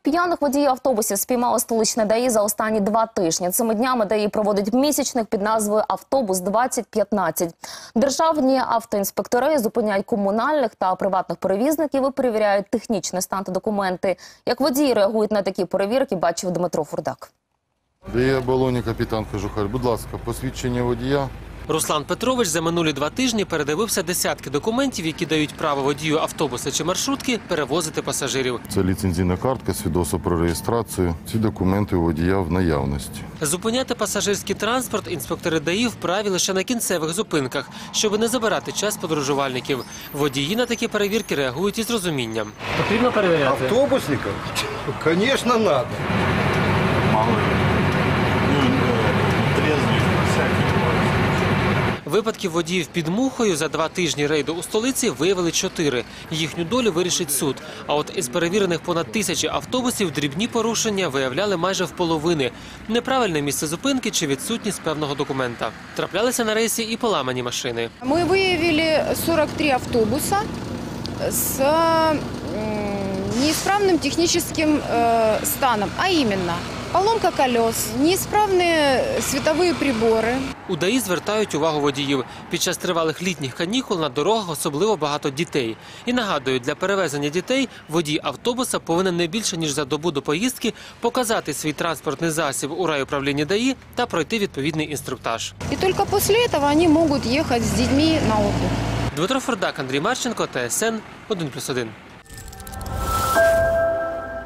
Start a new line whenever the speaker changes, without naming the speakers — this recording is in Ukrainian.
П'яних водіїв автобусів спіймало столичне ДАІ за останні 2 тижні. Цими днями ДАІ проводить місячник під назвою «Автобус-2015». Державні автоінспектори зупиняють комунальних та приватних перевізників і перевіряють технічний стан та документи. Як водії реагують на такі перевірки, бачив Дмитро Фурдак.
ДАІ Оболоні, капітан Кожухар. Будь ласка, посвідчення водія.
Руслан Петрович за минулі 2 тижні передивився десятки документів, які дають право водію автобуса чи маршрутки перевозити пасажирів.
Це ліцензійна картка, свідоцтво про реєстрацію. Ці документи у водія в наявності.
Зупиняти пасажирський транспорт інспектори ДАІ вправі лише на кінцевих зупинках, щоб не забирати час подорожувальників. Водії на такі перевірки реагують із розумінням. Потрібно перевіряти?
Автобусников? Конечно, надо.
Випадків водіїв під мухою за 2 тижні рейду у столиці виявили 4. Їхню долю вирішить суд. А от із перевірених понад 1000 автобусів дрібні порушення виявляли майже в половини. Неправильне місце зупинки чи відсутність певного документа. Траплялися на рейсі і поламані машини.
Мы выявили 43 автобуса с неисправным техническим станом, а именно поломка колес, неисправные световые приборы.
У ДАІ звертають увагу водіїв. Під час тривалих літніх канікул на дорогах особливо багато дітей. І нагадують, для перевезення дітей водій автобуса повинен не більше, ніж за добу до поїздки показати свій транспортний засіб у райуправлінні ДАІ та пройти відповідний інструктаж.
И только после этого они могут ехать с детьми на отдых.
Дмитро Фурдак, Андрій Марченко, ТСН 1+1.